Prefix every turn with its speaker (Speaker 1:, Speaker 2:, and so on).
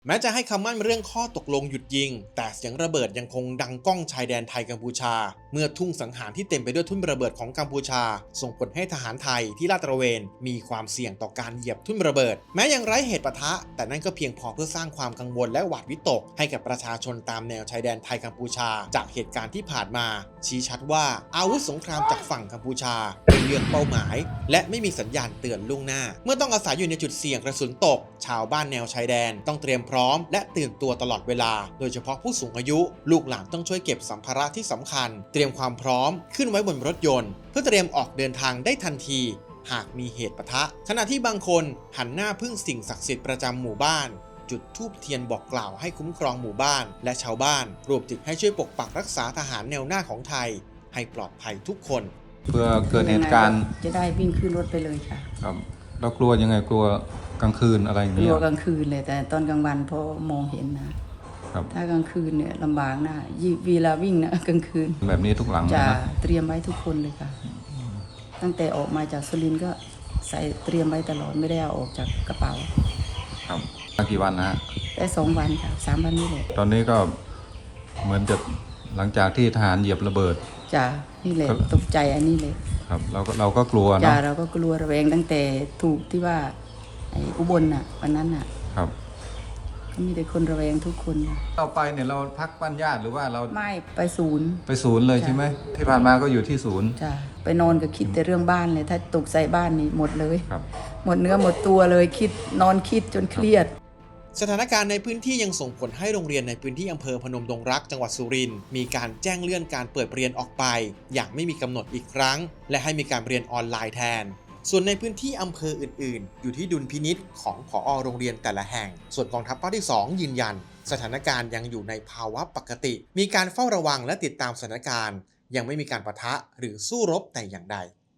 Speaker 1: แม้จะให้คำมั่นเรื่องข้อตกลงหยุดยิงแต่เสียงระเบิดยังคงดังก้องชายแดนไทยกัมพูชาเมื่อทุ่งสังหารที่เต็มไปด้วยทุ่นระเบิดของกัมพูชาส่งผลให้ทหารไทยที่ลาดตระเวนมีความเสี่ยงต่อการเหยียบทุ่นระเบิดแม้ยังไร้เหตุปะทะแต่นั่นก็เพียงพอเพื่อสร้างความกังวลและหวาดวิตกให้กับประชาชนตามแนวชายแดนไทยกัมพูชาจากเหตุการณ์ที่ผ่านมาชี้ชัดว่าอาวุธสงครามจากฝั่งกัมพูชาเป็นเรื่องเป้าหมายและไม่มีสัญญาณเตือนล่วงหน้าเมื่อต้องอาศัยอยู่ในจุดเสี่ยงกระสุนตกชาวบ้านแนวชายแดนต้องเตรียมพร้อมและตื่นตัวตลอดเวลาโดยเฉพาะผู้สูงอายุลูกหลานต้องช่วยเก็บสัมภาระที่สำคัญเตรียมความพร้อมขึ้นไว้บนรถยนต์เพื่อเตรียมออกเดินทางได้ทันทีหากมีเหตุปะทะขณะที่บางคนหันหน้าพึ่งสิ่งศักดิ์สิทธิ์ประจำหมู่บ้านจุดธูปเทียนบอกกล่าวให้คุ้มครองหมู่บ้านและชาวบ้านรวมถึงให้ช่วยปกปักรักษาทหารแนวหน้าของไทยให้ปลอดภัยทุกคน
Speaker 2: เพื่อเกิดเหตุการณ์
Speaker 3: จะได้วิ่งขึ้นรถไปเลยค่ะ
Speaker 2: ครับเรากลัวยังไงกลัวกลางคืนอะไรอย่าง
Speaker 3: ก
Speaker 2: เงี้ย
Speaker 3: ลัวกลางคืนเลยแต่ตอนกลางวันพอมองเห็นนะครับถ้ากลางคืนเนี่ยลำบากนะเวลาวิ่งนะกลางคืน
Speaker 2: แบบนี้ทุกหลัง
Speaker 3: จะ
Speaker 2: นะ
Speaker 3: เตรียมไว้ทุกคนเลยค่ะตั้งแต่ออกมาจากสุรินทร์ก็ใส่เตรียมไว้ตลอดไม่ได้เอาออกจากกระเป๋า
Speaker 2: ครับกี่วันนะฮะ
Speaker 3: ได้2 วันค่ะ3 วันนี้แหละ
Speaker 2: ตอนนี้ก็เหมือนจะหลังจากที่ทหารเหยียบระเบิด
Speaker 3: จ้ะนี่แหละตกใจอันนี้เลย
Speaker 2: ครับเราก็กลัวเนาะ
Speaker 3: จ้ะเราก็กลัวระแวงตั้งแต่ถูกที่ว่าไอ้อุบลน่ะวันนั้นน่ะ
Speaker 2: ครับ
Speaker 3: ก็มีแต่คนระแวงทุกคน
Speaker 2: เราไปเนี่ยเราพักบ้านญาติหรือว่าเรา
Speaker 3: ไม่ไปศูนย์
Speaker 2: เลยใช่ไหมที่ผ่านมาก็อยู่ที่ศูนย์
Speaker 3: จ้ะไปนอนก็คิดแต่เรื่องบ้านเลยถ้าตกใส่บ้านนี่หมดเลย
Speaker 2: ครับ
Speaker 3: หมดเนื้อหมดตัวเลยนอนคิดจนเครียด
Speaker 1: สถานการณ์ในพื้นที่ยังส่งผลให้โรงเรียนในพื้นที่อำเภอพนมดงรักจังหวัดสุรินทร์มีการแจ้งเลื่อนการเปิดเรียนออกไปอย่างไม่มีกำหนดอีกครั้งและให้มีการเรียนออนไลน์แทนส่วนในพื้นที่อำเภออื่นๆอยู่ที่ดุลพินิจของผอ.โรงเรียนแต่ละแห่งส่วนกองทัพภาคที่ 2ยืนยันสถานการณ์ยังอยู่ในภาวะปกติมีการเฝ้าระวังและติดตามสถานการณ์ยังไม่มีการปะทะหรือสู้รบแต่อย่างใด